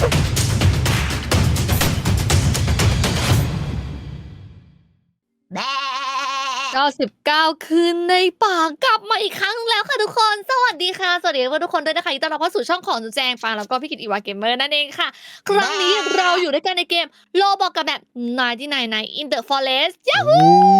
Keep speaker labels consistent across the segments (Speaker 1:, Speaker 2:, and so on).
Speaker 1: 99 คืนในป่ากลับมาอีกครั้งแล้วค่ะทุกคนสวัสดีค่ะสวัสดีทุกคนด้วยนะคะยินดีต้อนรับเข้าสู่ช่องของจุแจงฟางแล้วก็พี่กิตอีวาเกมเมอร์นั่นเองค่ะครั้งนี้เราอยู่ด้วยกันในเกมโลบอกกับแบบ99 in the forest ยาฮู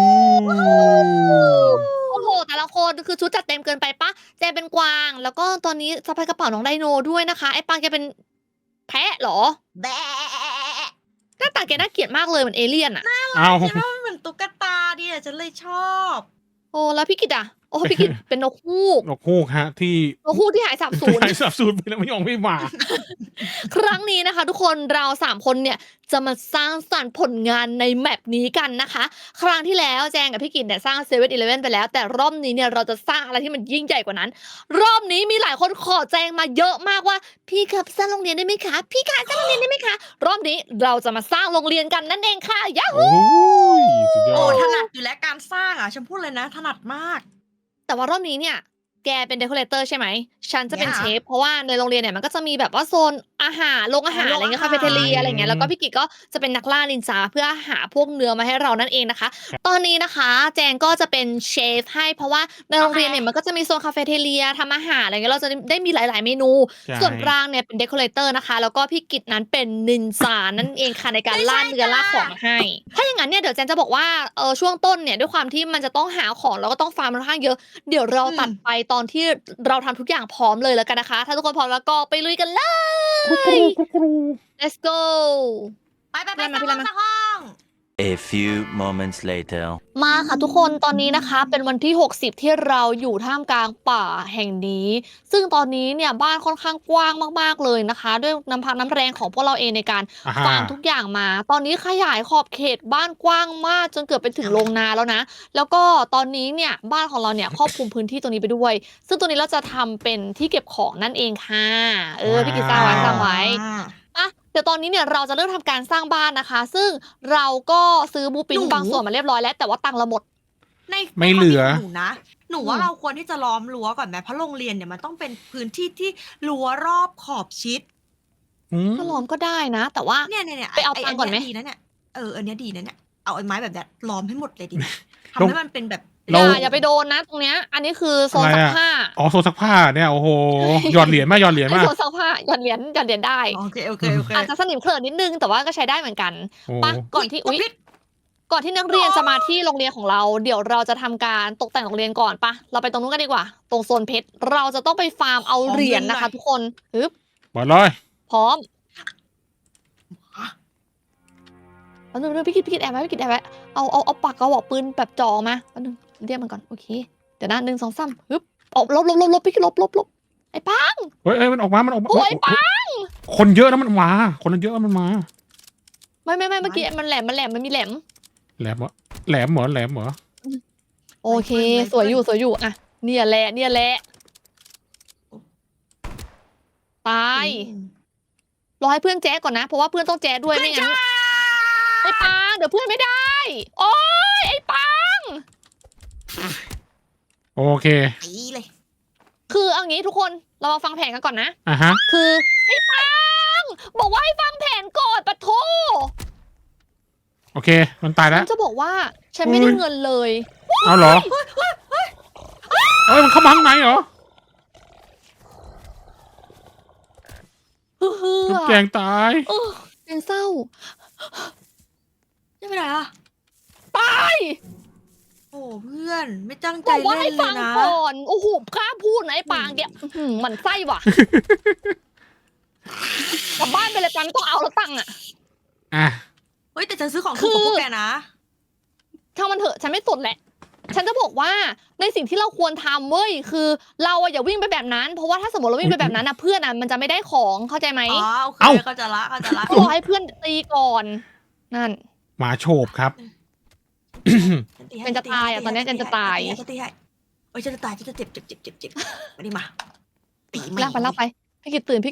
Speaker 1: โอ้โหแต่ละคนคือชุดจัดเต็มเกินไปปะแจงเป็นกวางแล้วก็ตอนนี้สะพายกระเป๋าน้องไดโนด้วยนะคะไอ้ปางแกเป็นแพะเหรอแบะหน้าตาแกน่าเกลียดมากเลยเหมือนเอเลี่ยนอะ
Speaker 2: เอา
Speaker 3: คิดว่ามันเหมือนตุ๊กตาดิฉันเลยชอบ
Speaker 1: โอ้แล้วพี่กิตอ่ะโอ้พี่กิตเป็นนกฮูก
Speaker 2: นกฮูกฮะที่
Speaker 1: นกฮูกที่หายสาบสูญ
Speaker 2: หายสับสูญไปแล้วไม่มา
Speaker 1: ครั้งนี้นะคะ ทุกคนเรา3 คนเนี่ยจะมาสร้างสรรค์ผลงานในแมปนี้กันนะคะ ครั้งที่แล้วแจงกับพี่กิตเนี่ยสร้างเซเว่นอีเลฟเว่นไปแล้วแต่รอบนี้เนี่ยเราจะสร้างอะไรที่มันยิ่งใหญ่กว่านั้น รอบนี้มีหลายคนขอแจงมาเยอะมากว่าพี่ครับสร้างโรงเรียนได้ไหมคะพี่คะสร้างโรงเรียนได้ไหมคะรอบนี้เราจะมาสร้างโรงเรียนกันนั่นเองค่ะยาฮู
Speaker 2: โอ้ยสุดยอ
Speaker 3: โอ้
Speaker 2: ด
Speaker 3: ถนัดอยู่แล้วการสร้างอ่ะฉันพูดเลยนะถนัดมาก
Speaker 1: แต่ว่ารอบนี้เนี่ยแกเป็นเดคอเรเตอร์ใช่ไหมฉันจะเป็น
Speaker 3: เนี่ย
Speaker 1: เชฟเพราะว่าในโรงเรียนเนี่ยมันก็จะมีแบบว่าโซนอาหารโรงอาหารอะไรเงี้ยคาเฟ่เทเรียอะไรเงี้ยแล้วก็พี่กิจก็จะเป็นนักล่านินจาเพื่อหาพวกเนื้อมาให้เรานั่นเองนะคะ ตอนนี้นะคะแจงก็จะเป็นเชฟให้เพราะว่าในโรงเรียนเนี่ยมันก็จะมีโซนคาเฟ่เทเรียทำอาหารอะไรเงี้ยเราจะได้มีหลาย ๆ เมนู
Speaker 2: ใช่
Speaker 1: ส่วนปรางเนี่ยเป็นเดคอเรเตอร์นะคะแล้วก็พี่กิจนั้นเป็นนินจานั่นเองค่ะในการล่าเนื้อล่าของมาให้ ถ้าอย่างนั้นเนี่ยเดี๋ยวแจนจะบอกว่าช่วงต้นเนี่ยด้วยความที่มันจะต้องหาของแล้วก็ต้องฟาร์มค่อนข้างเยอะเดี๋ยวเราตัดไปตอนที่เราทำทุกอย่างพร้อมเลยแล้วกันนะคะ ถ้าทุกคนพร้อมแล้วก็ไปลุยกันเลย let's go
Speaker 3: ไป
Speaker 1: พี่รันมาพี่รันมา
Speaker 3: สร้างห้อง
Speaker 4: A few moments later.
Speaker 1: มาค่ะทุกคนตอนนี้นะคะเป็นวันที่ 60 ที่เราอยู่ท่ามกลางป่าแห่งนี้ ซึ่งตอนนี้เนี่ยบ้านค่อนข้างกว้างมากๆเลยนะคะ ด้วยน้ำพักน้ำแรงของพวกเราเองในการ
Speaker 2: อ่าฮะ
Speaker 1: ฟาร์มทุกอย่างมา ตอนนี้ขยายขอบเขตบ้านกว้างมากจนเกือบไปถึงโรงนาแล้วนะ แล้วก็ตอนนี้เนี่ยบ้านของเราเนี่ยครอบคลุมพื้นที่ตรงนี้ไปด้วย ซึ่งตรงนี้เราจะทำเป็นที่เก็บของนั่นเองค่ะพี่กิตสร้างไว้สร้างไว้ อ่ะเดี๋ยวตอนนี้เนี่ยเราจะเริ่มทำการสร้างบ้านนะคะ ซึ่งเราก็ซื้อบูปินบางส่วนมาเรียบร้อยแล้วแต่ว่าตังค์เราหมด
Speaker 3: ใน
Speaker 2: ไม่เหลือ
Speaker 3: ความคิดของหนูนะหนูว่าเราควรที่จะล้อมรั้วก่อนไหมเพราะโรงเรียนเนี่ยมันต้องเป็นพื้นที่ที่รั้วรอบขอบชิด
Speaker 2: อืม
Speaker 1: ก็ล้อมก็ได้นะ แต่ว่า
Speaker 3: เนี่ย
Speaker 1: ไปเอาตังค์ก่อนไหม
Speaker 3: ดีนะเนี่ยอันเนี้ยดีนะเนี่ยเอาไอ้ไม้แบบเนี้ยล้อมให้หมดเลยดีไหม
Speaker 2: ลง
Speaker 3: ทำให้มันเป็นแบบ
Speaker 1: อย่าไปโดนนะตรงเนี้ยอันนี้คือโซนซักผ้า
Speaker 2: อ๋อโซนซักผ้าเนี่ยโอ้โหหยอดเหรียญมาหยอดเหรียญ
Speaker 1: ไอ
Speaker 2: มา
Speaker 1: โซนซักผ้าหย่อนเหรียญได้
Speaker 3: โอเค
Speaker 1: อาจจะสนิมเคลินนิดนึงแต่ว่าก็ใช้ได้เหมือนกัน
Speaker 2: โอ้
Speaker 1: ปะก่อนที่ก่อนที่นักเรียนจะมาที่โรงเรียนของเรา เดี๋ยวเราจะทำการตกแต่งโรงเรียนก่อนปะเราไปตรงนู้นกันดีกว่า ตรงโซนเพชรเราจะต้องไปฟาร์มเอาเหรียญนะคะ ทุกคนฮึบ
Speaker 2: เปิดเลย
Speaker 1: พร้อมเอาหนึ่งพี่กิดแอบไว้พี่กิดแอบไว้เอาปากกระบอกปืนแบบจ่อมาเอาหนึ่งเรียกมันก่อนโอเคเดี๋ยวนะ1 2 3ฮึบออกลบพี่กิดลบไอ้ป้า
Speaker 2: เฮ้ยมันออกมา
Speaker 1: โอ้ยป้า
Speaker 2: คนเยอะนะมันมาคนเยอะมันมา
Speaker 1: ไม่เมื่อกี้มันแหลมมันมีแหลม
Speaker 2: แหลมเหรอแหลมเหรอ
Speaker 1: โอเคสวยอยู่อ่ะเนี่ยแหละตายรอให้เพื่อนแจ๊ก่อนนะเพราะว่าเพื่อนต้องแจ๊ด้วยไม่งั้นไอ้ปางเดี๋ยวเพื่อนไม่ได้โอ้ยไอ้ปาง
Speaker 2: โอเค
Speaker 3: ตีเลย
Speaker 1: คือเอางี้ทุกคนเรามาฟังแผนกันก่อนนะ
Speaker 2: อ่ะฮะ
Speaker 1: คือไอ้ปังบอกว่าให้ฟังแผนก่อนปะโท
Speaker 2: โอเคมันตายแล้ว
Speaker 1: ฉันจะบอกว่าฉันไม่ได้เงินเลย
Speaker 2: เอาเหรอเอ้ยมันเข้ามาข้างในเหรอ
Speaker 1: เฮ้อ
Speaker 2: ลูกแจงตาย
Speaker 1: เป็นเศร้า
Speaker 3: ไม่เป็นไรอ่ะ
Speaker 1: ตาย
Speaker 3: โอ้เพื่อนไม่ตั้งใจ
Speaker 1: บอกว่า
Speaker 3: เล่
Speaker 1: ให้
Speaker 3: นเล
Speaker 1: ฟั
Speaker 3: ย
Speaker 1: ง
Speaker 3: นะ
Speaker 1: ก่อนโอ้โหกล้าพูดนะไอ้ปางแกหมันไส้ว่ะกลับบ้านไปเลยปังไม่ต้องเอาแล้วตังค์อ่ะ
Speaker 2: อ่ะ
Speaker 3: เฮ้ยแต่ฉันซื้อของถูกกว่าพวกแกนะ
Speaker 1: ช่างมันเถอะฉันไม่สนแหละ ฉันจะบอกว่าในสิ่งที่เราควรทำเว้ยคือเราอะอย่าวิ่งไปแบบนั้นเพราะว่าถ้าสมมติเราวิ่งไปแบบนั้นนะเพื่อนอะมันจะไม่ได้ของเข้าใจไหม
Speaker 3: อ๋อโอเคเข้าใจละ
Speaker 1: รอให้เพื่อนตีก่อนนั่น
Speaker 2: หมาโฉบครับ
Speaker 1: เจนจะตายอ่ะตอนนี้เจนจะตาย
Speaker 3: ฉันตีให้โอ้ยฉันจะตายฉันจะเจ็บมาดิมาตีไม่
Speaker 1: ลากไปพี่กิตตื่น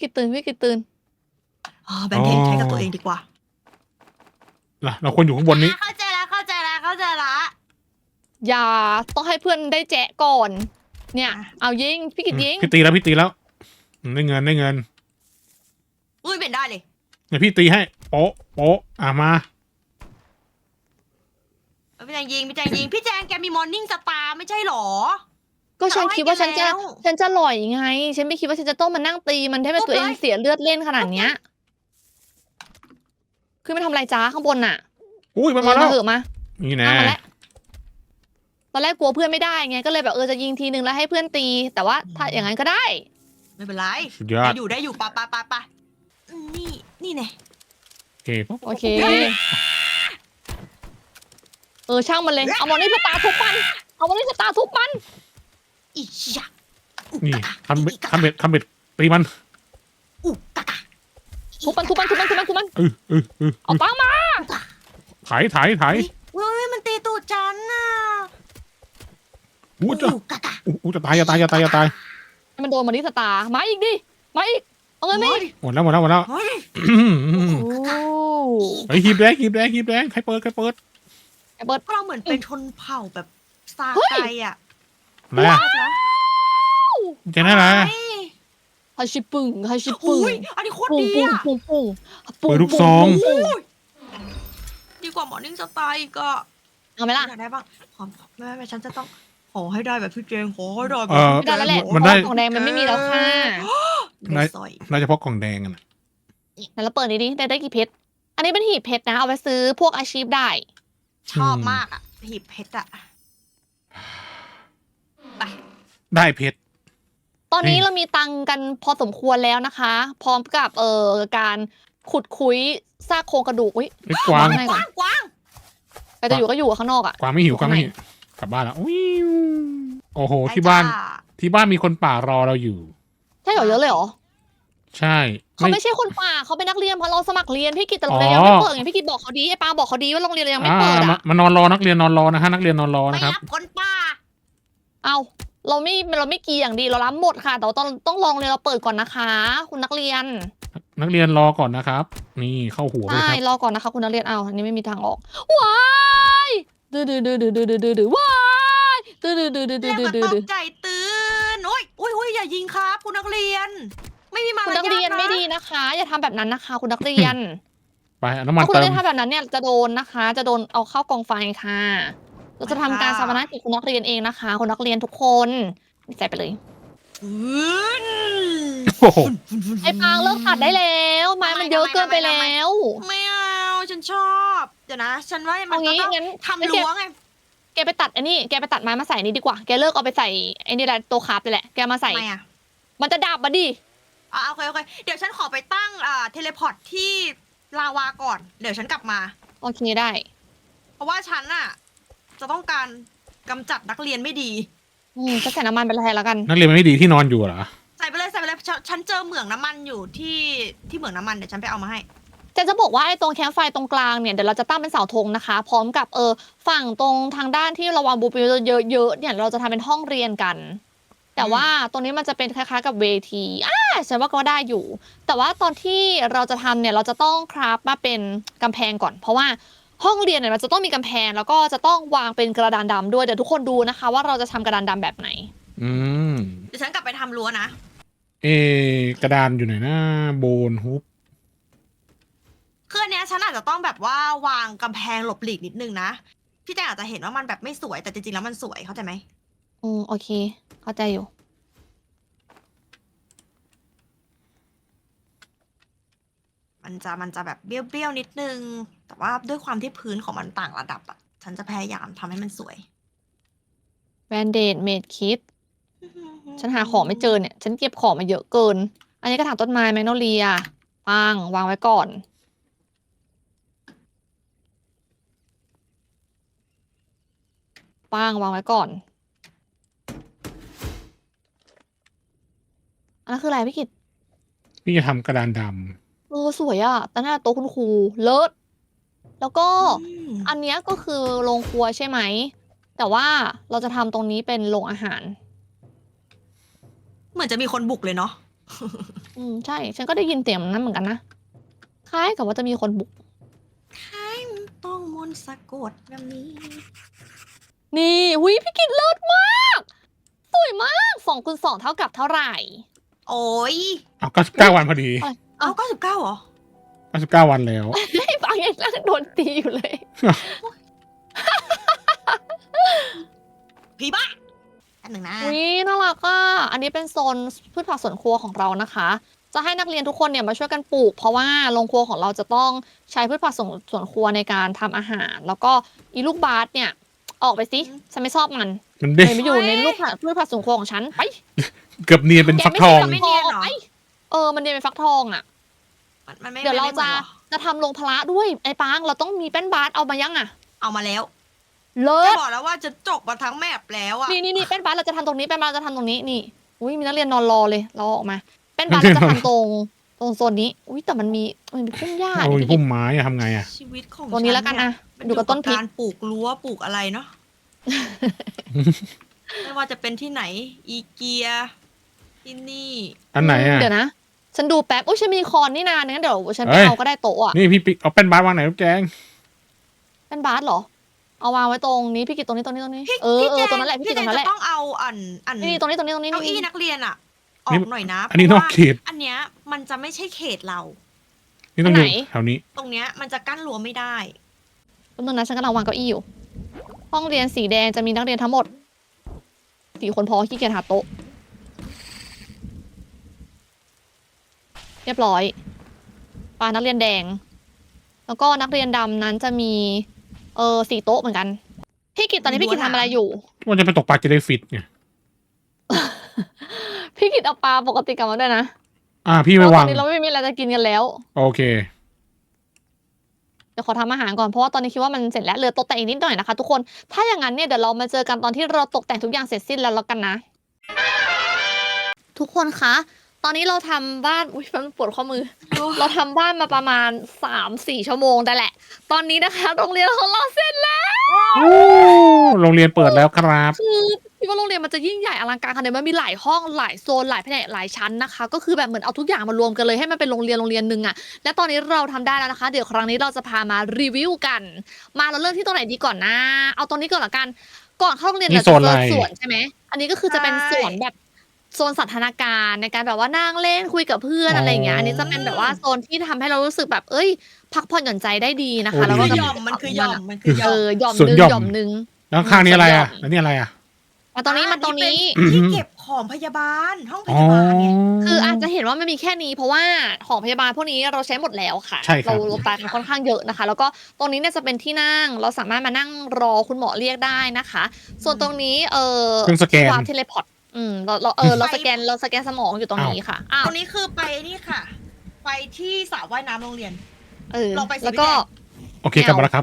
Speaker 3: อ๋อแบนเทนใช้กับตัวเองดีกว่า
Speaker 2: เราควรอยู่ข้างบนนี้
Speaker 3: เข้าใจละ
Speaker 1: อย่าต้องให้เพื่อนได้แจะก่อน เนี่ยเอายิงพี่กิตยิง
Speaker 2: พี่ตีแล้วได้เงิน
Speaker 3: อุ้ยเป็นได้เลย
Speaker 2: เดี๋ยวพี่ตีให้โป๊ะโป๊ะมา
Speaker 3: พี่แจงยิงพี่แจงแกมีมอร์นิ่งสตาร์ไม่ใช่หรอ
Speaker 1: ก็ฉันคิดว่าฉันจะ
Speaker 3: เอาไว้แล้ว
Speaker 1: ฉันจะหล่อยไง ฉันไม่คิดว่าฉันจะต้องมานั่งตีมันให้มันตัวเองเสียเลือดเล่นขนาดเนี้ยขึ้นมาทำอะไรจ้าข้างบนน่ะ
Speaker 2: อุ้ยมันมาแล้ว
Speaker 1: เหอะมา
Speaker 2: นี่นะ
Speaker 1: เอามาแล้วตอนแรกกลัวเพื่อนไม่ได้ไงก็เลยแบบจะยิงทีนึงแล้วให้เพื่อนตี แต่ว่าถ้าอย่างนั้นก็ได้
Speaker 3: ไม่เป็นไร
Speaker 2: สุดยอด
Speaker 3: ได้อยู่ปะนี่แน่
Speaker 2: โอเค
Speaker 1: โอเค ช่างมันเลย เอามอนี่สตาร์ทุบมัน เอามอนี่สตาร์ทุบมัน
Speaker 3: อีชะ
Speaker 2: นี่ทำเบ็ดตีมัน
Speaker 3: อุกะกะ
Speaker 1: ทุบมันเอาปังมา
Speaker 2: ไถ
Speaker 3: เฮ้ยมันตีตูดฉันน่ะ
Speaker 2: อู้จะ
Speaker 3: อุกะกะ
Speaker 2: อู้จะตายอย่าตาย
Speaker 1: ให้มันโดนมอนี่สตาร์มาอีกดิ มาอีก เอาเงินมาอีก
Speaker 2: หมดแล้ว
Speaker 3: เฮ้ย
Speaker 1: โอ้
Speaker 2: ไอ้หีบแดงใครเปิด
Speaker 1: ไอ้เบิร์ด
Speaker 3: เราเหมือนเป็นชนเผ่าแบบซาไกอ่ะ
Speaker 2: อะไรอะจะได้อะไร
Speaker 1: ฮาชิปึง
Speaker 3: อุ้ยอันนี้โคตรดีอ่ะ
Speaker 1: ปุ้ง
Speaker 2: เปิดลูกซอง
Speaker 3: ดีกว่ามอร์นิ่งสตาร์อีกอ่ะ
Speaker 1: เอาไหมล่ะ
Speaker 3: อยากได้บ้างแม่ฉันจะต้องขอให้ได้แบบพี่เจงขอให้ได้แบบ
Speaker 1: ไม่ได้แล้วแหละ
Speaker 2: มันได้
Speaker 1: เพราะว่าของแดงมันไม่มีแล้วค่ะ
Speaker 3: ได้สอย
Speaker 2: น่าจะเพราะกล่องแดงอะนะ
Speaker 1: ไหนเราเปิดดิได้กี่เพชร อันนี้เป็นหีบเพชรนะ เอาไปซื้อพวกอาชีพได้
Speaker 3: ชอบมากอ่ะหีบเพชรอ่ะ
Speaker 2: ได้เพชร
Speaker 1: ตอนนี้
Speaker 2: เฮ้ย
Speaker 1: เรามีตังค์กันพอสมควรแล้วนะคะ พร้อมกับการขุดคุยซากโครงกระดูกอุ้ย
Speaker 2: ไอ้กวาง
Speaker 1: ให้
Speaker 3: ก
Speaker 1: ก่อน
Speaker 3: ว้าง
Speaker 1: ใครจะอยู่ก็อยู่ข้างนอกอ่ะ
Speaker 2: กวางไม่หิวกวางไม่หิวกลับบ้านแล้ววิวโอ้โหที่บ้านมีคนป่ารอเราอยู่
Speaker 1: ใช่เหรอเยอะเลยเหรอ
Speaker 2: ใช่
Speaker 1: เขาไม่ใช่คนป่าเขาเป็นนักเรียนเพราะเราสมัครเรียนพี่กิตแต่โรงเรียนยังไม่เปิดไงพี่กิตบอกเขาดีไอ้ปาบอกเขาดีว่าโรงเรียนเรายังไม่เปิดอ่ะ
Speaker 2: มานอนรอนักเรียนนอนรอนะฮะนักเรียนนอนรอ
Speaker 3: ไม่
Speaker 2: นะครับ
Speaker 3: รับคนป้า
Speaker 1: เอาเราไม่กีอย่างดีเรารับหมดค่ะ แต่ว่าต้องลองเรียนเราเปิดก่อนนะคะ คุณนักเรียน
Speaker 2: นักเรียนรอก่อนนะครับ นี่เข้าหัวเลย
Speaker 1: ใช่
Speaker 2: ครับ
Speaker 1: รอก่อนนะคะ คุณนักเรียนเอาอันนี้ไม่มีทางออกว้ายดื้อว้ายดื้อ
Speaker 3: เรียกมาตกใจตื่นโอ้ยอย่ายิงครับคุณนักเรียน ไม่มีมาร
Speaker 1: คุณ
Speaker 3: ยา
Speaker 1: นั
Speaker 3: ท
Speaker 1: กเรียน
Speaker 3: นะ
Speaker 1: ไม่ดีนะคะ อย่าทำแบบนั้นนะคะ คุณนักเรียน
Speaker 2: ไปเอาน้ำมัน
Speaker 1: ถ้าคุณ
Speaker 2: เติ
Speaker 1: นัก
Speaker 2: ม
Speaker 1: เรียนทำแบบนั้นเนี่ยจะโดนนะคะ จะโดนเอาเข้ากองไฟค่ะ เราจะทำการชาปนกิจคุณนักเรียนเองนะคะ คุณนักเรียนทุกคนใส่ไปเลย
Speaker 2: โอ้โห
Speaker 1: ไอ้ปางเลิกตัดได้แล้วไม้มันเยอะเกินไปแล้ว
Speaker 3: ไม่เอาฉันชอบ เดี๋ยวนะ ฉันว่ามัน
Speaker 1: เอางี้
Speaker 3: ต้อง
Speaker 1: งั้น
Speaker 3: ทำรั้วไง
Speaker 1: แกไปตัดไอ้นี่แกไปตัดไม้มาใส่นี่ดีกว่าแกเลิกเอาไปใส่ไอ้นี่แหละตัวคราฟไปแหละแกมาใส่
Speaker 3: ทำไมอ่ะ
Speaker 1: มันจะดับมาดิ
Speaker 3: โอเคเดี๋ยวฉันขอไปตั้งเทเลพอร์ตที่ลาวาก่อน เดี๋ยวฉันกลับมา
Speaker 1: โอเคได้
Speaker 3: เพราะว่าฉันอะจะต้องการกำจัดนักเรียนไม่ดี
Speaker 1: จะใส่น้ำมันไปแทนแล้วกัน
Speaker 2: นักเรียนมันไม่ดีที่นอนอยู่เหรอ
Speaker 3: ใส่ไปเลยฉันเจอเหมืองน้ำมันอยู่ที่เหมืองน้ำมันเดี๋ยวฉันไปเอามาให้
Speaker 1: จะบอกว่าไอ้ตรงแคมป์ไฟตรงกลางเนี่ยเดี๋ยวเราจะตั้งเป็นเสาธงนะคะ พร้อมกับฝั่งตรงทางด้านที่เราวางบูปิลเยอะๆเนี่ยเราจะทำเป็นห้องเรียนกัน แต่ว่าตรงนี้มันจะเป็นคล้ายๆกับเวทีฉันว่าก็ได้อยู่ แต่ว่าตอนที่เราจะทำเนี่ยเราจะต้องคราฟมาเป็นกำแพงก่อน เพราะว่าห้องเรียนเนี่ยมันจะต้องมีกำแพงแล้วก็จะต้องวางเป็นกระดานดำด้วยเดี๋ยวทุกคนดูนะคะ ว่าเราจะทำกระดานดำแบบไหน
Speaker 2: อืม
Speaker 3: เดี๋ยวฉันกลับไปทำรั้วนะ
Speaker 2: กระดานอยู่ไหนนะโบนฮุบ
Speaker 3: คืออันเนี้ยฉันอาจจะต้องแบบว่าวางกำแพงหลบหลีกนิดนึงนะ พี่แจงอาจจะเห็นว่ามันแบบไม่สวยแต่จริงๆแล้วมันสวยเข้าใจไหม
Speaker 1: โอเค เข้าใจอยู่
Speaker 3: มันจะแบบเบี้ยวๆนิดนึง แต่ว่าด้วยความที่พื้นของมันต่างระดับอ่ะ ฉันจะพยายามทำให้มันสวย
Speaker 1: แบนเดดเมดคิด ฉันหาของไม่เจอเนี่ย ฉันเก็บของมาเยอะเกิน อันนี้กระถางต้นไม้แมกโนเลียปังวางไว้ก่อน ปังวางไว้ก่อน อันนั้นคืออะไรพี่กิต
Speaker 2: พี่จะทำกระดานด
Speaker 1: สวยอะแต่หน้าโต๊ะคุณครูเลิศแล้วก็
Speaker 3: อืม
Speaker 1: อันเนี้ยก็คือโรงครัวใช่ไหม แต่ว่าเราจะทำตรงนี้เป็นโรงอาหาร
Speaker 3: เหมือนจะมีคนบุกเลยเนาะ
Speaker 1: ใช่ ฉันก็ได้ยินเสียงนั้นเหมือนกันนะ คล้ายกับว่าจะมีคนบุก
Speaker 3: ต้องมนต์สะกดแบบนี้
Speaker 1: นี่หุยพี่กิตเลิศมาก สวยมาก2 คูณ 2 เท่ากับเท่าไหร่
Speaker 3: โอ้ย
Speaker 2: ำเอา99 วันพอดี
Speaker 1: อะไร
Speaker 3: เอา99เหรอ
Speaker 2: 99 วันแล้ว
Speaker 1: ไอ้ปังยังนั่งโดนตีอยู่เลย
Speaker 3: ผีบ้าอันหนึ่งนะ
Speaker 1: อุ้ยน่ารักอ่ะอันนี้เป็นโซนพืชผักสวนครัวของเรานะคะ จะให้นักเรียนทุกคนเนี่ยมาช่วยกันปลูก เพราะว่าโรงครัวของเราจะต้องใช้พืชผักสวนครัวในการทำอาหาร แล้วก็อีลูกบาสเนี่ย ออกไปสิฉันไม่ชอบมัน
Speaker 2: มันเด้
Speaker 1: เลยมาอยู่ในลูกผักพืชผักสวนครัวของฉันไป
Speaker 2: เกือบเนียนเป็นฟักทอง
Speaker 1: แไม่ใช่ฟักทองไปมันเรียนเป็นฟักทองอ่ะ
Speaker 3: มันไม่
Speaker 1: เดี๋ยวเรา
Speaker 3: ไม่หมือนหรอ
Speaker 1: จะทำโรงพละด้วยไอ้ปางเราต้องมีแป้นบาสเอามายังอ่ะ
Speaker 3: เอามาแล้ว
Speaker 1: เลิ
Speaker 3: จะ
Speaker 1: ศ
Speaker 3: บอกแล้วว่าจะจกมาทั้งแมปแล้วอะ
Speaker 1: นี่แป้นบาสเราจะทำตรงนี้แป้นบาสเราจะทำตรงนี้นี่อุ้ยมีนักเรียนนอนรอเลยเราออกมาแป้นบาสเราจะทำตรงโซนนี้อุ้ยแต่มันมีพุ่มหญ้า
Speaker 2: โอ้ย
Speaker 1: ดิ
Speaker 2: พุ่มไม้อะทำไงอะ
Speaker 3: ชีวิตของ
Speaker 1: ตัวนี้แล้วกัน
Speaker 3: ฉั
Speaker 1: อะ
Speaker 3: เย
Speaker 1: ดูกับต้นพริก
Speaker 3: การปลูกรั้วปลูกอะไรเนาะ ไม่ว่าจะเป็นที่ไหน อีเกีย ที่นี่
Speaker 2: อันไหนอะ
Speaker 1: เดี๋ยวนะฉันดูแป๊บอุ้ยฉันมีคอนนี่นางั้นเดี๋ยวฉันไป
Speaker 2: เอ้ย
Speaker 1: เอาก็ได้โต๊ะอะ
Speaker 2: นี่พี่ปิ๊กเอาแป้นบาสวางไหนลูกแจง
Speaker 1: แป้นบาสเหรอเอาวางไว้ตรงนี้พี่กิตตรงนี้
Speaker 3: พี่
Speaker 1: เออ
Speaker 3: พี่แจ
Speaker 1: ตรงนั้นแหละพี่
Speaker 3: พี่
Speaker 1: กิต
Speaker 3: แจ
Speaker 1: ตรงนั้นแหละ
Speaker 3: จะต้องเอาอัน
Speaker 1: นี่ตรงนี้
Speaker 3: เก้าอี้นักเรียนอะออกหน่อยนะ
Speaker 2: อันนี้
Speaker 3: เพ
Speaker 2: น
Speaker 3: ราะ
Speaker 2: อก
Speaker 3: ว่า
Speaker 2: เขต
Speaker 3: อันเนี้ยมันจะไม่ใช่เขตเรา
Speaker 2: นี่ต้องอยู่
Speaker 1: อันไหน
Speaker 2: แถวนี้
Speaker 3: ตรงเนี้ยมันจะกั้นรั้วไม่ได้
Speaker 1: ตรงนั้นฉันกำลังวางเก้าอี้อยู่ ห้องเรียนสีแดงจะมีนักเรียนทั้งหมด4 คนพอขี้เกียจหาโต๊ะ เรียบร้อยปานักเรียนแดง แล้วก็นักเรียนดำนั้นจะมี4 โต๊ะเหมือนกัน พี่กิตตอนนี้พี่กิตทำอะไรอยู่
Speaker 2: ว่าจะไปตกปลาจะได้ฟิตไง
Speaker 1: พี่กิตเอาปลาปกติกลับมาด้วยนะ
Speaker 2: พี่
Speaker 1: เพ
Speaker 2: ไม่
Speaker 1: ราะต
Speaker 2: วา
Speaker 1: อง นนี้เราไม่มีอะไรจะกินกันแล้ว
Speaker 2: โอเค
Speaker 1: เดี๋ยวขอทำอาหารก่อนเพราะว่าตอนนี้คิดว่ามันเสร็จแล้วเหลือตกแต่งอีกนิดหน่อยนะคะทุกคน ถ้าอย่างนั้นเนี่ยเดี๋ยวเรามาเจอกันตอนที่เราตกแต่งทุกอย่างเสร็จสิ้นแล้วกันนะ ทุกคนคะ ตอนนี้เราทำบ้านอุ้ยมันปวดข้อมือ เราทำบ้านมาประมาณ 3-4 ชั่วโมงได้แหละ ตอนนี้นะคะโรงเรียนของเราเสร็จแล้ว
Speaker 2: โรงเรียนเปิดแล้วครับ
Speaker 1: คือคิดว่าโรงเรียนมันจะยิ่งใหญ่อลังการขนาดนี้มันมีหลายห้องหลายโซนหลายแผนกหลายชั้นนะคะ ก็คือแบบเหมือนเอาทุกอย่างมารวมกันเลยให้มันเป็นโรงเรียนหนึ่งอะและตอนนี้เราทำได้แล้วนะคะ เดี๋ยวครั้งนี้เราจะพามารีวิวกัน มาเราเริ่มที่ตรงไหนดีก่อนนะ เอาตรงนี้ก่อนละกัน ก่อนเข้าโรงเรียน
Speaker 2: นี่
Speaker 1: เราจะ
Speaker 2: โซน
Speaker 1: เจ
Speaker 2: อะไร
Speaker 1: อสวนใช่ไหมอันนี้ก็คือจะเป็นสวนแบบโซนสันทนาการในการแบบว่านั่งเล่นคุยกับเพื่อนอะไรอย่างเงี้ย อันนี้จะเป็นแบบว่าโซนที่ทำให้เรารู้สึกแบบเอ้ย พักผ่อนหย่อนใจได้ดีนะคะ
Speaker 2: โอ้
Speaker 1: แล้วก็
Speaker 2: ดี
Speaker 3: หย่อมมันคือหย่อมมันคือหย่อม
Speaker 1: หย่อม
Speaker 2: สวน
Speaker 1: นึง
Speaker 2: หย่อม
Speaker 1: หย่อมนึง
Speaker 2: แล้วข้างนี้อะไรอะ
Speaker 1: สวนหย่อม
Speaker 2: แล้วนี่อะไรอะ
Speaker 1: มาตรงนี้มาตรงนี้
Speaker 3: เป็นที่เก็บของพยาบาล ห้องพ
Speaker 2: อ๋อย
Speaker 3: าบาลเนี่ย
Speaker 1: คืออาจจะเห็นว่ามันมีแค่นี้เพราะว่าของพยาบาลพวกนี้เราใช้หมดแล้วค่ะ
Speaker 2: ใช่ครับ
Speaker 1: เราตายกันค่อนข้างเยอะนะคะ แล้วก็ตรงนี้เนี่ยจะเป็นที่นั่งเราสามารถมานั่งรอคุณหมอเรียกได้นะคะ ส่วนตรงนี้
Speaker 2: เครื่องสแกน
Speaker 1: วาร์ปเทเลพอร์ตเราสแกนสมองอยู่ตรงนี้ค่ะอ้าว
Speaker 3: ตรงนี้คือไปนี่ค่ะ ไปที่สระว่ายน้ำโรงเรียน ลองไปสิ
Speaker 1: แล้วก็
Speaker 3: พี่แดง
Speaker 2: โอเคกลับมาแล้วครับ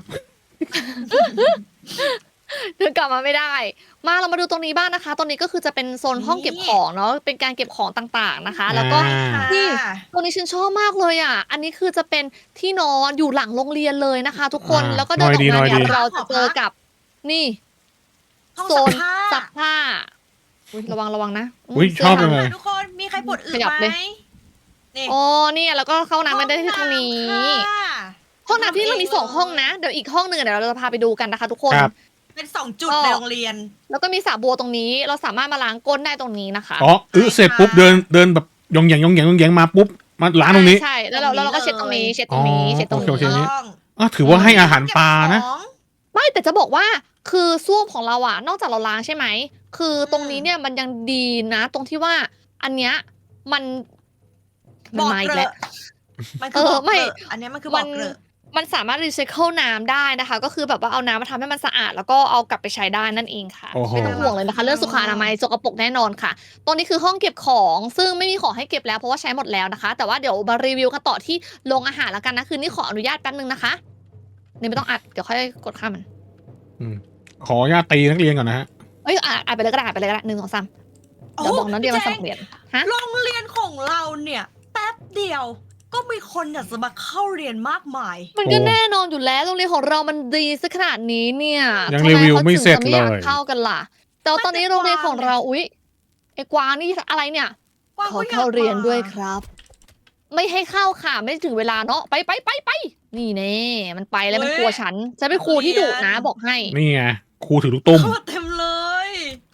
Speaker 1: เดินกลับมาไม่ได้ มาเรามาดูตรงนี้บ้างนะคะ ตรงนี้ก็คือจะเป็นโซนห้องเก็บของเนาะเป็นการเก็บของต่างๆนะคะ แล้วก็
Speaker 2: อ่า
Speaker 1: นี่ ตรงนี้ฉันชอบมากเลยอ่ะ อันนี้คือจะเป็นที่นอนอยู่หลังโรงเรียนเลยนะคะ ทุกคน แล้วก็เดินออกมา
Speaker 2: น้อยดี
Speaker 1: เนี่ยเราจะเจอกับ นี่
Speaker 3: ห้อง
Speaker 1: โซ
Speaker 3: ซัก
Speaker 1: น
Speaker 3: ผ้า
Speaker 1: ซักผ้าอุ๊ยระวังนะ
Speaker 2: อุ๊ย
Speaker 1: เสื้
Speaker 2: ชอบ
Speaker 1: ผ้า
Speaker 2: เลย
Speaker 3: ทุกคนมีใครปวดอึ
Speaker 1: ขยับ
Speaker 3: ไห
Speaker 1: เล
Speaker 3: ม
Speaker 1: ย
Speaker 3: นี่
Speaker 1: อ๋อเนี่ยแล้วก็เข้าน้ำไม่ได้ที่ตรงนี้
Speaker 3: ค่ะ
Speaker 1: ห้องน้ำที่เรามี2 ห้องนะ เดี๋ยวอีกห้องหนึ่งเดี๋ยวเราจะพาไปดูกันนะคะ ทุกคน
Speaker 2: ครับ
Speaker 3: เป็น2 จุด
Speaker 1: ก็
Speaker 3: ในโรงเรียน
Speaker 1: แล้วก็มีสระบัวตรงนี้ เราสามารถมาล้างก้นได้ตรงนี้นะคะ
Speaker 2: อ๋อเสร็จปุ๊บเดินแบบยองแยงมาปุ๊บมาล้างตรงนี้
Speaker 1: ใช่แล้วเราก็เช็ดตรงนี้ เช็ดตรงนี้
Speaker 2: อ๋อ
Speaker 1: เช็ดตรง
Speaker 2: โอเค
Speaker 1: นี้
Speaker 2: อ๋อถือว่าให้อาหารปลานะ
Speaker 1: ไม่แต่จะบอกว่าคือส้วมของเราอะนอกจากเราล้างใช่ไหมคือตรงนี้เนี่ยมันยังดีนะ ตรงที่ว่าอันเนี้ยมัน
Speaker 3: บอก
Speaker 1: มาอี
Speaker 3: เก
Speaker 1: ก
Speaker 3: ล
Speaker 1: แล้ว
Speaker 3: อะมันคือบอก
Speaker 1: ไม่
Speaker 3: เกลอะอันเนี้ยมันคือบอกเกลอะ
Speaker 1: มันสามารถรีไซเคิลน้ำได้นะคะ ก็คือแบบว่าเอาน้ำมาทำให้มันสะอาด แล้วก็เอากลับไปใช้ได้นั่นเองค่ะ
Speaker 2: โอ้โห
Speaker 1: ไม่ต้องห่วงเลยนะคะ เรื่องสุขอนามัยสกปรกแน่นอนค่ะ ตรงนี้คือห้องเก็บของซึ่งไม่มีของให้เก็บแล้วเพราะว่าใช้หมดแล้วนะคะ แต่ว่าเดี๋ยวมารีวิวกันต่อที่โรงอาหารแล้วกันนะคือนี่ขออนุญาตแป๊บนึงนะคะนี่ไม่ต้องอัดเดี๋ยวค่อยกดข้ามมัน
Speaker 2: ขออนุญาตตีนักเรียนก่อนนะฮะ
Speaker 1: เอ้ยอ่านไปเลยก็ได้อ่านไปเลยก็ได้1 2 3เดี๋ยวบอกน้องเดียวมาสมัครเรียนฮะ
Speaker 3: โรงเรียนของเราเนี่ยแป๊บเดียวก็มีคนอยากจะมาเข้าเรียนมากมาย
Speaker 1: มันก็แน่นอนอยู่แล้วโรงเรียนของเรามันดีซะขนาดนี้เนี่ย
Speaker 2: ยัง
Speaker 1: ทำ
Speaker 2: รีวิว
Speaker 1: ขา
Speaker 2: ไม่เสร็จ
Speaker 1: ถึงจะไม่อยาก
Speaker 2: เลย
Speaker 1: เข้ากันล่ะ แต่ว่าตอนนี้โรงเรียนของเราอุ๊ยไอ้กวางนี่อะไรเนี่ย
Speaker 3: กวาง
Speaker 1: ขอ
Speaker 3: ก็อยาก
Speaker 1: เข้าเรียน
Speaker 3: มา
Speaker 1: ด้วยครับ ไม่ให้เข้าค่ะไม่ถึงเวลาเนาะไปนี่แน่มันไปแล้วมันกลัวฉันเป็นครูที่ดุนะบอกให้
Speaker 2: นี่ไงครูถือลูกตุ้ม
Speaker 3: เข้าเต็มเลย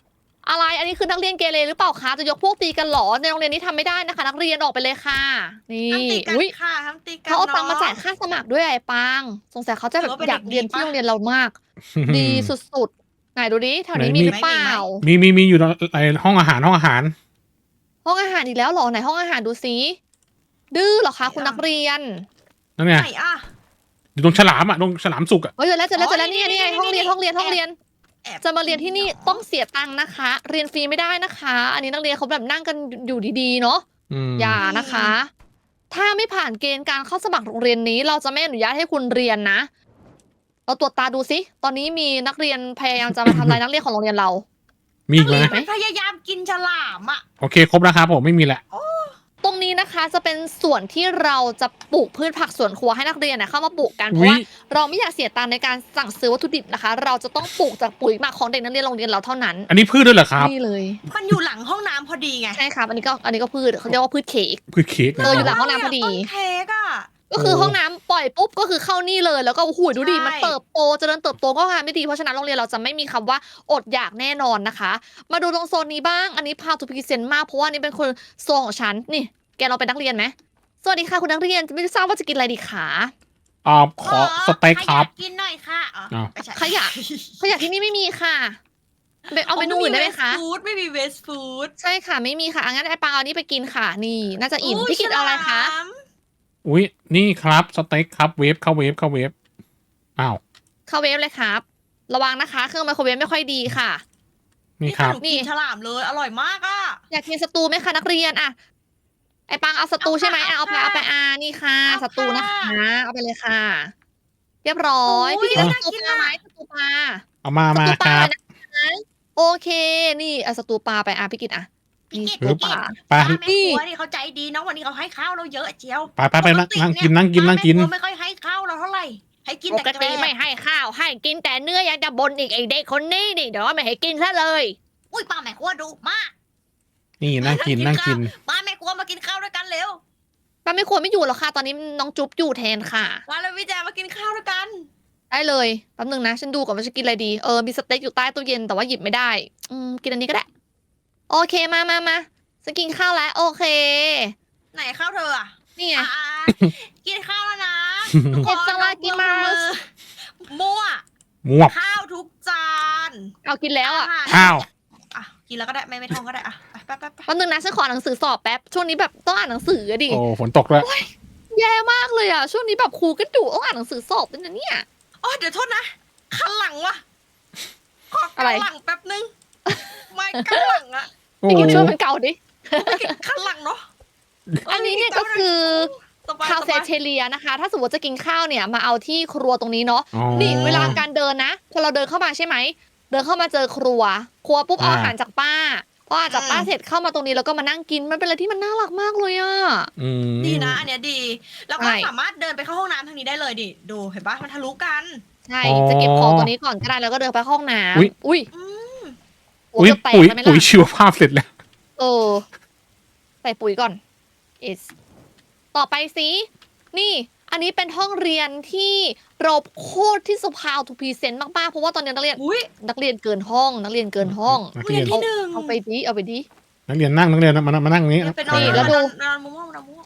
Speaker 1: อะไรอันนี้คือนักเรียนเกเรหรือเปล่าคะจะยกพวกตีกันเหรอในโรงเรียนนี้ทำไม่ได้นะคะ นักเรียนออกไปเลยค่ะ นี่
Speaker 3: ห้ามตีกัน
Speaker 1: อุ้ย
Speaker 3: ค่ะห้ามตีกัน
Speaker 1: เขาเอาตังค์
Speaker 3: เนะ
Speaker 1: มาจ่ายค่าสมัครด้วยไอ้ปังสงสัยเขาจะแบบ
Speaker 3: ถือว่าเป็น
Speaker 1: อยากเรียน
Speaker 3: เด็กดี
Speaker 1: ที่
Speaker 3: ปะ
Speaker 1: โรงเรียนเรามาก ดีสุดๆไหนดูดิแถวนี้
Speaker 2: ไหน
Speaker 1: มี
Speaker 2: มี
Speaker 1: หรือเปล่า
Speaker 2: มีอยู่ในห้องอาหาร
Speaker 1: ห้องอาหารอีกแล้วเหรอไหนห้องอาหารดูซิดื้อเหรอคะคุณนักเรียน
Speaker 2: นั่นไง
Speaker 3: ไหนอ่ะ
Speaker 2: อยู่ตรงฉลามอ่ะตรงฉลามสุกอ่ะ
Speaker 1: เฮ้ยเจอแล้ว
Speaker 3: อ๋อ
Speaker 1: นี่ไง
Speaker 3: นี่
Speaker 1: ห้องเรียน
Speaker 3: นี่
Speaker 1: ห้องเรียนห้องเรียน
Speaker 3: แอบ
Speaker 1: จะมาเรียนที่นี่ต้องเสียตังค์นะคะ เรียนฟรีไม่ได้นะคะ อันนี้นักเรียนเขาแบบนั่งกันอยู่ดีๆเนาะ
Speaker 2: อืม
Speaker 1: อย่านะคะ ถ้าไม่ผ่านเกณฑ์การเข้าสมัครโรงเรียนนี้ เราจะไม่อนุญาตให้คุณเรียนนะ เราตรวจตาดูสิตอนนี้มีนักเรียนพยายามจะมาทำลายนักเรียนของโรงเรียนเรา
Speaker 2: มีอีกไหม
Speaker 3: มันพยายามกินฉลามอ่ะ
Speaker 2: โอเคครบแล้วครับผมไม่มีแหละ
Speaker 1: ตรงนี้นะคะจะเป็นส่วนที่เราจะปลูกพืชผักสวนครัวให้นักเรียนเข้ามาปลูกกันเพราะ
Speaker 2: อุ๊ย
Speaker 1: ว่าเราไม่อยากเสียตังค์ในการสั่งซื้อวัตถุดิบนะคะ เราจะต้องปลูกจากปุ๋ยหมักของเด็กนักเรียนโรงเรียนเราเท่านั้น
Speaker 2: อันนี้พืชด้วยเหรอครับ
Speaker 1: นี่เลย
Speaker 3: มันอยู่หลังห้องน้ำพอดีไง
Speaker 1: ใช่ครับอันนี้ก็พืชเขาเรียกว่าพืชเค้ก
Speaker 2: พืชเค้กนะ
Speaker 1: อยู่หลังห้องน้ำพอดี
Speaker 3: ต้นเค้กอ่ะ
Speaker 1: ก็คือห้องน้ำปล่อยปุ๊บก็คือเข้านี่เลยแล้วก็โอ้โหดูดิ
Speaker 3: ใช่
Speaker 1: มันเติบโตเจริญเติบโตก็งานไม่ดีเพราะฉะนั้นโรงเรียนเราจะไม่มีคำว่าอดอยากแน่นอนนะคะ มาดูตรงโซนนี้บ้างอันนี้พาทูพิเซนมากเพราะว่านี่เป็นคนโซนของฉันนี่แกเราเป็นนักเรียนไหมสวัสดีค่ะคุณนักเรียนไม่ทราบว่าจะกินอะไรดีคะ
Speaker 2: ขอสเต็กครับ
Speaker 3: ขยะกินหน่อยค่ะอ๋อ
Speaker 2: อ้าว
Speaker 3: ไม่ใช่
Speaker 1: ขยะที่นี่ไม่มีค่ะเอาเมนูอื่นได้ไหมคะ
Speaker 3: ไม่มีเวสฟู้ด
Speaker 1: ใช่ค่ะไม่มีค่ะงั้นไอ้ปังเอานี่ไปกินค่ะ นี่น่าจะอิ่มพี่กินเอาอะไรคะ
Speaker 2: อุ้ยนี่ครับสเต็กครับเวฟเข้าเวฟอ้าว
Speaker 1: เข้าเวฟเลยครับ ระวังนะคะเครื่องไมโครเวฟไม่ค่อยดีค่ะ
Speaker 2: นี่ครับ
Speaker 1: นี่
Speaker 3: กินฉลามเลยอร่อยมากอ่ะ
Speaker 1: อยากกินสตูไหมคะนักเรียนอะไอปังเอาสตูใช่ไหม
Speaker 3: เอา
Speaker 1: เอาไป
Speaker 3: ค่ะ
Speaker 1: เอาไปนี่ค่ะ
Speaker 3: เอาค่ะ
Speaker 1: สตูนะคะเอาไปเลยค่ะ เรียบร้อย
Speaker 3: โอ้ย
Speaker 1: พี่กินส
Speaker 3: น่า
Speaker 1: ตู
Speaker 3: กิน
Speaker 1: ปลา
Speaker 3: อะ
Speaker 1: ไหมสตูปลา
Speaker 2: เอามา
Speaker 1: สตูป
Speaker 2: ค
Speaker 1: ลา
Speaker 2: รับ
Speaker 1: นะคะโอเคนี่เอาสตูปลาไปพี่กินนี่สตูปลา
Speaker 2: ไป
Speaker 3: ป้าแม่ครัวนี่เขาใจดีนะวันนี้เขาให้ข้าวเราเยอะเจียว
Speaker 2: ไปนั่งกิน
Speaker 3: ป้าแม่ครัวไม่ค่อยให้ข้าวเราเท่าไหร่ให้กิน
Speaker 1: ป
Speaker 3: แต่
Speaker 1: ก
Speaker 3: แก
Speaker 1: ติ
Speaker 3: ล้
Speaker 1: ไม่ให้ข้าวให้กินแต่เนื้อยังจะบ่นอีกไอเด็กคนนี้นี่เดี๋ยวไม่ให้กินซะเลย
Speaker 3: อุ้ยป้าแม่ครัวดุมาก
Speaker 2: นี่นั่งกิน
Speaker 3: ป้าแม่ครัวมากินข้าวด้วยกันเร็ว
Speaker 1: ป้าไม่ควรไม่อยู่หรอกค่ะ ตอนนี้น้องจุ๊บอยู่แทนค่ะ
Speaker 3: มาเลยพี่แจมากินข้าวด้วยกัน
Speaker 1: ได้เลยแป๊บนึงนะ ฉันดูก่อนว่าจะกินอะไรดีมีสเต็กอยู่ใต้ตู้เย็นแต่ว่าหยิบไม่ได้กินอันนี้ก็ได้ โอเคมาจะกินข้าวแล้วโอเค
Speaker 3: ไหนข้าวเธออ่ะ
Speaker 1: นี่ไง
Speaker 3: อ่ากินข้าวแล้วนะทุกค
Speaker 1: เอ็ดส
Speaker 3: น
Speaker 1: ลากิมัส
Speaker 3: มั่ว
Speaker 2: มวบ
Speaker 3: ข้าวทุกจาน
Speaker 1: เอากินแล้วอ่ะ
Speaker 3: หาร
Speaker 2: อ้าว
Speaker 3: อ่ะกินแล้วก็ได้ไม่ท่องก็ได้อ่ะไป
Speaker 1: แป๊บนึงนะฉันขอหนังสือสอบแป๊บช่วงนี้แบบต้องอ่านหนังสืออะดิ
Speaker 2: โอ้ฝนตกแล้ว
Speaker 1: แย่มากเลยอ่ะช่วงนี้แบบครูก็ดุต้องอ่านหนังสือสอบด้วยนะเนี่ย
Speaker 3: อ๋อเดี๋ยวโทษนะขันหลังวะขอ
Speaker 1: อะไร
Speaker 3: ขันหลังแป๊บนึงไม่ขันหลังอะ
Speaker 2: โอ้
Speaker 1: พี่กินช่วยมันเก่าดิ
Speaker 3: ขันหลังเนาะ
Speaker 1: อันนี้เนี่ยก็คือ
Speaker 3: สบาย
Speaker 1: คาเฟ่
Speaker 3: สบาย
Speaker 1: เทเลียนะคะ ถ้าสมมติจะกินข้าวเนี่ยมาเอาที่ครัวตรงนี้เนาะ
Speaker 2: อ๋อ
Speaker 1: นี่เวลาการเดินนะพอเราเดินเข้ามาใช่ไหมเดินเข้ามาเจอครัวปุ๊บเอาอาหารจากป้าพออาหารจากป้าเสร็จเข้ามาตรงนี้แล้วก็มานั่งกินมันเป็นอะไรที่มันน่ารักมากเลยอ่ะ
Speaker 2: อืม
Speaker 3: ดีนะอันเนี้ยดี แล้วก็
Speaker 1: ใช่
Speaker 3: สามารถเดินไปเข้าห้องน้ำทางนี้ได้เลยดิดูเห็นปะมันทะลุกัน
Speaker 1: ใช่จะเก็บของตัวนี้ก่อนก็ได้แล้วก็เดินไปเข้าห้องน้ำอุ้ย
Speaker 3: อืม
Speaker 1: หัว
Speaker 2: อุ้ย
Speaker 1: จะแตก
Speaker 2: ปุ๋ย
Speaker 1: แล้วไหม
Speaker 2: ปุ๋ย
Speaker 1: ล่ะ
Speaker 2: ชีวภาพเสร็จแล้ว
Speaker 1: ใส่ปุ๋ยก่อน ต่อไปสินี่ อันนี้เป็นห้องเรียนที่เราโคตรที่สุภาพทูพีเซนต์มากๆเพราะว่าตอนนี้นักเรียน
Speaker 3: อุ้ย
Speaker 1: เกินห้องนักเรียนเกินห้อง
Speaker 2: นัก
Speaker 3: เรี
Speaker 2: เรี
Speaker 3: ย
Speaker 2: ย
Speaker 3: น
Speaker 2: น
Speaker 3: ที่หนึ่ง
Speaker 1: เอาไปดิ
Speaker 2: นักเรียนนั่งนักเรียนมานั่งตรงนี้
Speaker 3: ไปนอน
Speaker 1: นี่แล้วดู
Speaker 3: นอนมุ้งนอนมุ้ง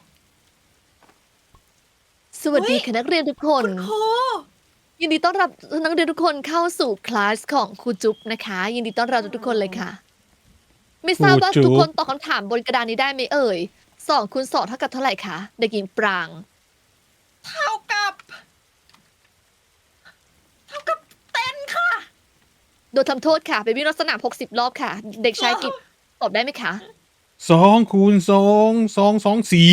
Speaker 1: สวัสดีค่ะนักเรียนทุกคน
Speaker 3: คุณครู
Speaker 1: ยินดีต้อนรับนักเรียนทุกคนเข้าสู่คลาสของครูจุ๊บนะคะ ยินดีต้อนรับทุกคนเลยค่ะ ไม่ทราบว่าทุกคนตอบคำถามบนกระดานนี้ได้ไหมเอ่ย2 คูณ 2เท่ากับเท่าไหร่คะเด็กหญิงปราง
Speaker 3: เท่ากับเต้นค่ะ
Speaker 1: โดนทำโทษค่ะไปวิ่งรอบสนาม60 รอบค่ะ เด็กชายกิจตอบได้ไหมคะ
Speaker 2: 2 คูณ 2 4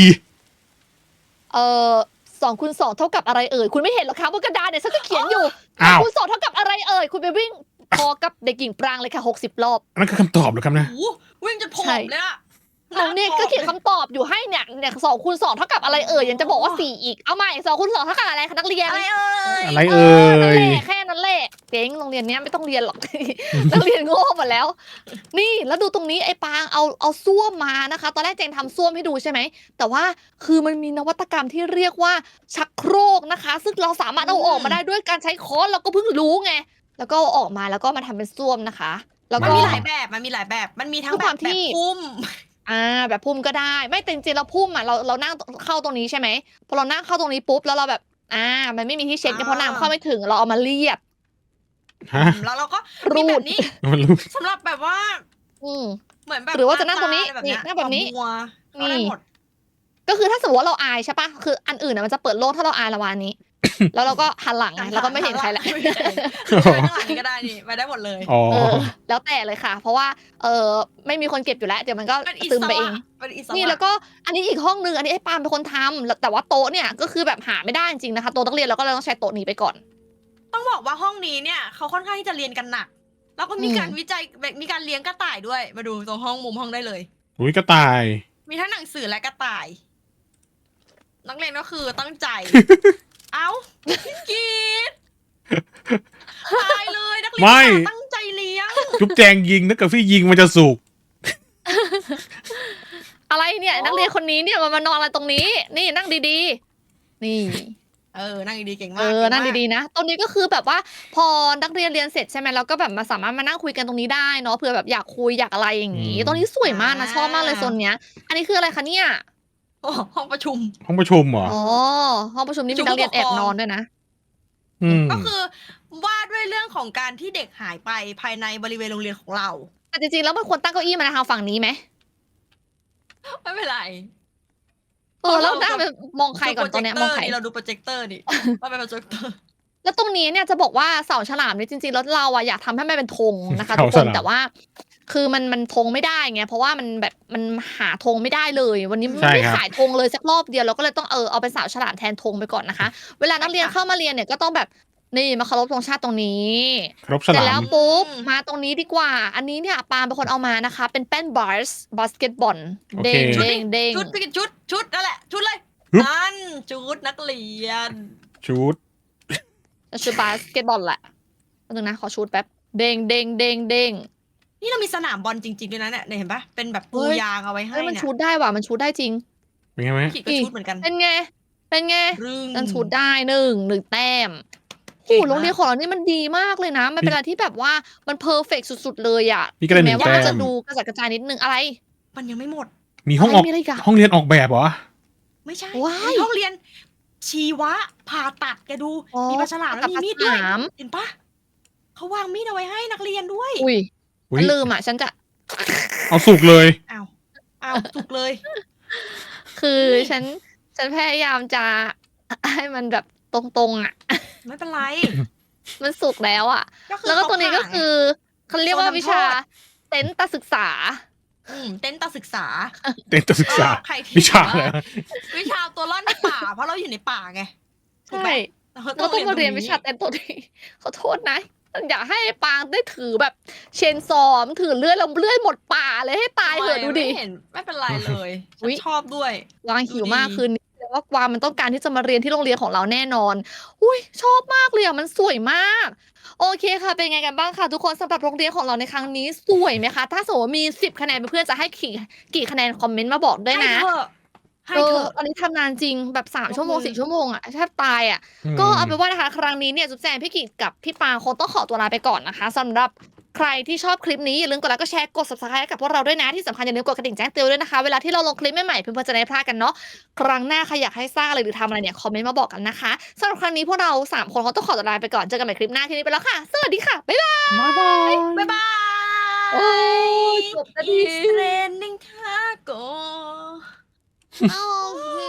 Speaker 1: 2 คูณ 2เท่ากับอะไรเอ่ยคุณไม่เห็นหรอคะบนกระดานเนี่ยฉันก็เขียนอยู่
Speaker 2: อ้าว
Speaker 1: 2 คูณ 2เท่ากับอะไรเอ่ยคุณไปวิ่งพอกับเด็กหญิงปรางเลยค่ะ60 รอบ
Speaker 2: อันนั้นคือคำตอบเหรอครับนะ
Speaker 3: โอ้โหวิ่งจนผอ
Speaker 1: ใช่
Speaker 3: มเลยอะ
Speaker 1: เราเนี่ยก็เขียนคำตอบอยู่ให้เนี่ย2 คูณ 2เท่ากับอะไรเอ่ยยังจะบอกว่า4อีกเอาใหม่2 คูณ 2เท่ากับอะไรคะนักเรียน
Speaker 3: อะไรเอ่ย
Speaker 2: อะไรเอ่ย
Speaker 1: แค่นั้นแหละเจ๊งโรงเรียนเนี้ยไม่ต้องเรียนหรอก นักเรียนโง่หมดแล้ว นี่แล้วดูตรงนี้ไอ้ปางเอาส้วมมานะคะ ตอนแรกเจงทำส้วมให้ดูใช่ไหมแต่ว่าคือมันมีนวัตกรรมที่เรียกว่าชักโครกนะคะ ซึ่งเราสามารถเอาออกมาได้ด้วยการใช้ค้อนเราก็เพิ่งรู้ไงแล้วก็เอาออกมาแล้วก็มาทำเป็นส้วมนะคะแล้ว
Speaker 3: มัน
Speaker 1: ก็
Speaker 3: มีหลายแบบมันมีหลายแบบ มันมีทั้ง
Speaker 1: ด้วย
Speaker 3: แบ
Speaker 1: ความ
Speaker 3: บ
Speaker 1: ที่
Speaker 3: พุ่ม
Speaker 1: แบบพุ่มก็ได้ ไม่แต่จริงๆเราพุ่มอ่ะเรานั่งเข้าตรงนี้ใช่ไหมพอเรานั่งเข้าตรงนี้ปุ๊บแล้วเราแบบมันไม่มีที่เช็ดไงเพราะน้ำเข้าไม่ถึงเราเอามาเรียบ
Speaker 2: ฮะ
Speaker 3: แล้วเราก็
Speaker 1: รู
Speaker 3: มี
Speaker 1: ด
Speaker 3: แบบนี้
Speaker 2: มันรู้
Speaker 3: สำหรับแบบว่า
Speaker 1: อืม
Speaker 3: เหมือนแบบ
Speaker 1: หรือว่าจะนั่งตรงนี้
Speaker 3: าอะไรแบบเนี้ย
Speaker 1: นี่นั่งแบบนี้
Speaker 3: มัวเข้าได้หมด
Speaker 1: ก็คือถ้าสมมติว่าเราอายใช่ปะคืออันอื่นน่ะมันจะเปิดโล่งถ้าเราอายละวานนี้ แล้วเราก็หันหลังไงเราก็ไม่เห็นใครละ
Speaker 3: ไม่เห็นใครไปข้างหลังนี้ก็ได้นี่ไปได้หมดเลย
Speaker 2: อ๋อ
Speaker 1: แล้วแต่เลยค่ะ เพราะว่าไม่มีคนเก็บอยู่แล้วเดี๋ยวมันก็
Speaker 3: เป็นอิ
Speaker 1: ซึ
Speaker 3: ส
Speaker 1: มไปเอ
Speaker 3: ระ
Speaker 1: ง
Speaker 3: เป็นอิสระ
Speaker 1: นี่แล้วก็อันนี้อีกห้องนึงอันนี้ไอ้ปาล์มเป็นคนทำแล้วแต่ว่าโต๊ะเนี่ยก็คือแบบหาไม่ได้จริงๆนะคะโต๊ะนักเรียนเราก็เลยต้องใช้โต๊ะนี้ไปก่อน
Speaker 3: ต้องบอกว่าห้องนี้เนี่ยเขาค่อนข้างที่จะเรียนกันหนัก แล้วก็มี
Speaker 1: อืม
Speaker 3: การวิจัยแบบมีการเลี้ยงกระต่ายด้วย มาดูตรงห้องมุมห้องได้เลย
Speaker 2: อุ้ยกระต่าย
Speaker 3: มีทั้งหนังสือและกระต่าย นักเรียนก็คือตั้งใจ เอ้าพี่กีดตายเลยนักเรียน
Speaker 2: ไม่
Speaker 3: ตั้งใจเลี้ยง
Speaker 2: จุ๊บแจงยิงถ้าเกิดพี่ยิงมันจะสุก
Speaker 1: อะไรเนี่ยนักเรียนคนนี้เนี่ยมันมานอนอะไรตรงนี้ นี่นั่งดีๆ นี่
Speaker 3: นั่งดีๆเก่งมาก
Speaker 1: นั่งดีๆนะตรงนี้ก็คือแบบว่าพอนักเรียนเรียนเสร็จใช่ไหมเราก็แบบมาสามารถมานั่งคุยกันตรงนี้ได้เนาะเผื่อแบบอยากคุยอยากอะไรอย่างนี้ตรงนี้สวยมากนะชอบมากเลยโซนเนี้ย อันนี้คืออะไรคะเนี่ย
Speaker 3: โอ้ห้องประชุม
Speaker 2: ห้องประชุมเหรอ
Speaker 1: อ๋อห้องประชุมนี่มีนักเรียนแอบนอนด้วยนะ
Speaker 2: อืม
Speaker 3: ก็คือว่าด้วยเรื่องของการที่เด็กหายไปภายในบริเวณโรงเรียนของเรา
Speaker 1: แต่จริงๆแล้วมันควรตั้งเก้าอี้มาทางฝั่งนี้ไหม
Speaker 3: ไม่เป็นไร
Speaker 1: แล้วหน้าไปมองใครก่อนตอนเนี้ยมองใคร
Speaker 3: เราดูโปรเจคเตอร์นี่ว่าเป็นโปรเจคเตอร์
Speaker 1: แล้วตรงนี้เนี่ยจะบอกว่าเสาฉลามเนี่ยจริงๆแล้วเราอะอยากทำให้มันเป็นธงนะคะทุก
Speaker 2: เสา
Speaker 1: ค
Speaker 2: ฉ
Speaker 1: น
Speaker 2: ลาม
Speaker 1: แต่ว่า คือมันธงไม่ได้ไงเพราะว่ามันแบบมันหาธงไม่ได้เลย วันนี้มัน
Speaker 2: ใช่
Speaker 1: ไม่
Speaker 2: ครับ
Speaker 1: ขายธงเลยสักรอบเดียวเราก็เลยต้องเอาเป็นเสาฉลามแทนธงไปก่อนนะคะ เวลานักเรียนเข้ามาเรียนเนี่ยก็ต้องแบบนี่มาเคารพธงชาติตรงนี้
Speaker 2: ครบฉ
Speaker 1: เสร็จ
Speaker 2: ลา
Speaker 1: แล้
Speaker 2: ม
Speaker 1: วปุ๊บมาตรงนี้ดีกว่า อันนี้เนี่ยปาล์มเป็นคนเอามานะคะ เป็นแป้นบาสเกตบอล
Speaker 2: โอเค
Speaker 1: เด้งเด้งเด้ง
Speaker 3: ชุดพี่กินชุดนั่นแหละ ชุดเลย
Speaker 2: ฮึบ
Speaker 3: นั่นชุดนักเรียน
Speaker 2: ชุด
Speaker 1: ชุดบาสเกตบอลแหละแป๊บนึงนะขอชุดแป๊บเด้งเด้งเด้งเด้ง
Speaker 3: นี่เรามีสนามบอลจริงๆด้วยนะเนี่ยเห็นปะเป็นแบบปู
Speaker 1: เฮ้ย
Speaker 3: ยางเอาไว้ให้
Speaker 1: เฮ้ยมัน
Speaker 3: เนี่ย
Speaker 1: ชุดได้ว่ะมันชุดได้จริง
Speaker 2: เป็นไงไหม
Speaker 3: พี่ก็ชุดเหมือนกัน
Speaker 1: เป็นไง เป็นไง
Speaker 3: รึง
Speaker 1: มันชุดได้หนึ่งแต้ม
Speaker 3: เก่
Speaker 1: โอ้
Speaker 3: งมาก
Speaker 1: โรงเรียนของเรานี่มันดีมากเลยนะ มันเป็นอะไรที่แบบว่ามันเพอร์เฟกสุดๆเลยอ่ะ
Speaker 2: มีกระดาษห
Speaker 1: แม้
Speaker 2: นึ่ง
Speaker 1: ว่า
Speaker 2: แต้
Speaker 1: มันจะ
Speaker 2: ม
Speaker 1: ดูกระจัดกระจายนิดนึงอะไร
Speaker 3: มันยังไม่หมด
Speaker 2: มีห้องออก
Speaker 1: อะไรมีอะไรอีกอะ
Speaker 2: ห้องเรียนออกแบบเหรอ
Speaker 3: ไม่ใช่
Speaker 1: ว้าย
Speaker 3: ในห้องเรียน ชีวะผ่าตัดแกดู
Speaker 1: อ๋อ
Speaker 3: มีปลาฉลามแล้วมีมีดด้วย
Speaker 1: ปลาฉลาม
Speaker 3: เห็นปะเขาวางมีดเอาไว้ให้นักเรียนด้วย
Speaker 1: อุ้ย
Speaker 2: อุ๊ย
Speaker 1: ฉันลืมอ่ะฉันจะ
Speaker 2: เอาสุกเลย
Speaker 3: อ้าวถูกเลย
Speaker 1: คือ
Speaker 3: นี่
Speaker 1: ฉันพยายามจะ ให้มันแบบตรงๆอ่ะ
Speaker 3: ไม่เป็นไร
Speaker 1: มันสุกแล้วอ่ะ
Speaker 3: คือ
Speaker 1: แล้วก็ตัวนี้ก็
Speaker 3: เขาผ่าไง
Speaker 1: คือเขาเรียกว่า
Speaker 3: โซนทำ
Speaker 1: วิชา
Speaker 3: โทษ
Speaker 1: เต็นท์ตาศึกษา
Speaker 3: เต้นตาศึกษา
Speaker 2: เต็นท์ศึกษา
Speaker 3: ก็ใครที่
Speaker 2: วิชาอะไร
Speaker 3: วิชาตัวรอดในป่า เพราะเราอยู่ในป่าไง ถูก
Speaker 1: ใช่
Speaker 3: ไหม
Speaker 1: เราต้องมาเรียนวิชาเต็นท์ตัวนี้ ขอโทษนะ อยากให้ปางได้ถือแบบเชนซอมถือเลื่อยแล้วเลื่อยหมดป่าเลยให้ตายเถอะดูดิ
Speaker 3: ไม่เห็นไม่เป็นไรเลย
Speaker 1: อุ๊
Speaker 3: ฉัน
Speaker 1: ย
Speaker 3: ชอบด้วย
Speaker 1: กวางหิวมาก
Speaker 3: ดูดี
Speaker 1: คืนนี้แต่ว่ากวางมันต้องการที่จะมาเรียนที่โรงเรียนของเราแน่นอน อุ้ยชอบมากเลยอ่ะมันสวยมาก โอเคค่ะ เป็นไงกันบ้างคะทุกคนสำหรับโรงเรียนของเราในครั้งนี้สวยไหมคะ ถ้าสมมติว่ามี10 คะแนนเพื่อนๆจะให้กี่คะแนนคอมเมนต์มาบอกด้วยนะ
Speaker 3: ให้เถอะให้เถอะ
Speaker 1: ตอนนี้ทำนานจริงแบบ3 ชั่วโมง
Speaker 3: ยกมือ
Speaker 1: 4 ชั่วโมงอะแทบตายอะก็เอาเป็นว่านะคะ ครั้งนี้เนี่ยจุ๊บแจงพี่กิจกับพี่ปางคงต้องขอตัวลาไปก่อนนะคะสำหรับใครที่ชอบคลิปนี้อย่าลืมกดไลค์กดแชร์กด subscribe ให้กับพวกเราด้วยนะที่สำคัญอย่าลืมกดกระดิ่งแจ้งเตือนด้วยนะคะ เวลาที่เราลงคลิปใหม่ๆเพื่อนๆจะได้ไม่พลาดกันเนาะครั้งหน้าใครอยากให้สร้างอะไรหรือทำอะไรเนี่ยคอมเมนต์มาบอกกันนะคะสำหรับครั้งนี้พวกเรา3 คนคงต้องขอตัวลาไปก่อนเจอกันใหม่คลิปหน้าที่นี้ไปแล้วค่ะสวัสดีค่ะบ๊ายบาย
Speaker 2: บ๊ายบาย
Speaker 3: บ๊ายบาย
Speaker 1: โอ้ยจบสักที
Speaker 3: It's raining taco
Speaker 1: โอเค